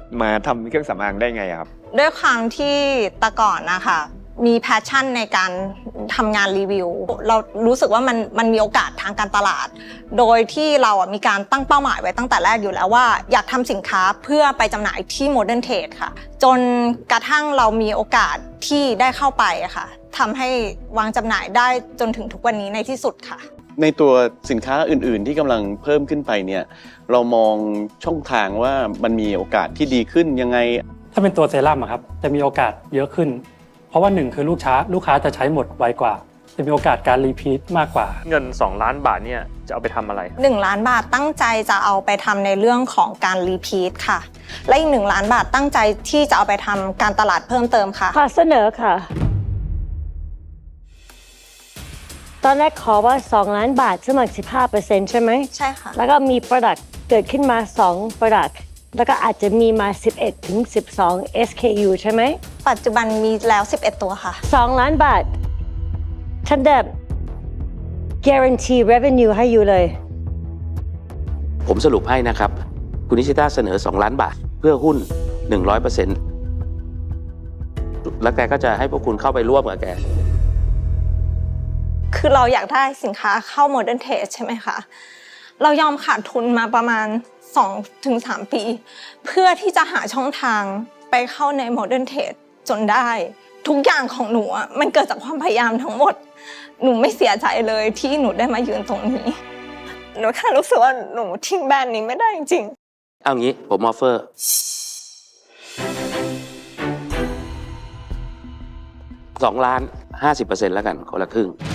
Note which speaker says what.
Speaker 1: มาทำเครื่องสำอางได้ไงครับ
Speaker 2: ด้วยความที่แต่ก่อนนะคะมีแพชชั่นในการทำงานรีวิวเรารู้สึกว่ามันมีโอกาสทางการตลาดโดยที่เรามีการตั้งเป้าหมายไว้ตั้งแต่แรกอยู่แล้วว่าอยากทำสินค้าเพื่อไปจำหน่ายที่ Modern Trade ค่ะจนกระทั่งเรามีโอกาสที่ได้เข้าไปค่ะทำให้วางจำหน่ายได้จนถึงทุกวันนี้ในที่สุดค่ะ
Speaker 3: ในตัวสินค้าอื่นๆที่กำลังเพิ่มขึ้นไปเนี่ยเรามองช่องทางว่ามันมีโอกาสที่ดีขึ้นยังไง
Speaker 4: ถ้าเป็นตัวเซรั่มครับจะมีโอกาสเยอะขึ้นเพราะว่า1คือลูกค้าจะใช้หมดไวกว่าจะมีโอกาสการรีพีทมากกว่า
Speaker 5: เงิน2 ล้านบาทเนี่ยจะเอาไปทำอะไร
Speaker 2: 1 ล้านบาทตั้งใจจะเอาไปทำในเรื่องของการรีพีทค่ะและอีก1 ล้านบาทตั้งใจที่จะเอาไปทำการตลาดเพิ่มเติมค่ะ
Speaker 6: ขอเสนอค่ะตอนแรกขอว่า2 ล้านบาทสมัคร 15% ใช่ไหม
Speaker 2: ใช่ค่ะ
Speaker 6: แล้วก็มี Product เกิดขึ้นมา2 Product แล้วก็อาจจะมีมา11 ถึง 12 SKU ใช่ไหม
Speaker 2: ปัจจุบันมีแล้ว11ตัวค่ะ
Speaker 6: 2 ล้านบาทฉันจะ guarantee revenue ให้อยู่เลย
Speaker 7: ผมสรุปให้นะครับคุณนิชิต้าเสนอ2 ล้านบาทเพื่อหุ้น 100% แล้วแกก็จะให้พวกคุณเข้าไปร่วมกับแก
Speaker 2: คือเราอยากได้สินค้าเข้า Modern Trade ใช่ไหมคะเรายอมขาดทุนมาประมาณ 2-3 ปีเพื่อที่จะหาช่องทางไปเข้าใน Modern Trade จนได้ทุกอย่างของหนูมันเกิดจากความพยายามทั้งหมดหนูไม่เสียใจเลยที่หนูได้มายืนตรงนี้หนูแค่รู้สึกว่าหนูทิ้งแบรนด์นี้ไม่ได้จริง
Speaker 7: ๆเอางี้ผมออฟเฟอร์2 ล้าน 50% แล้วกันคนละครึ่ง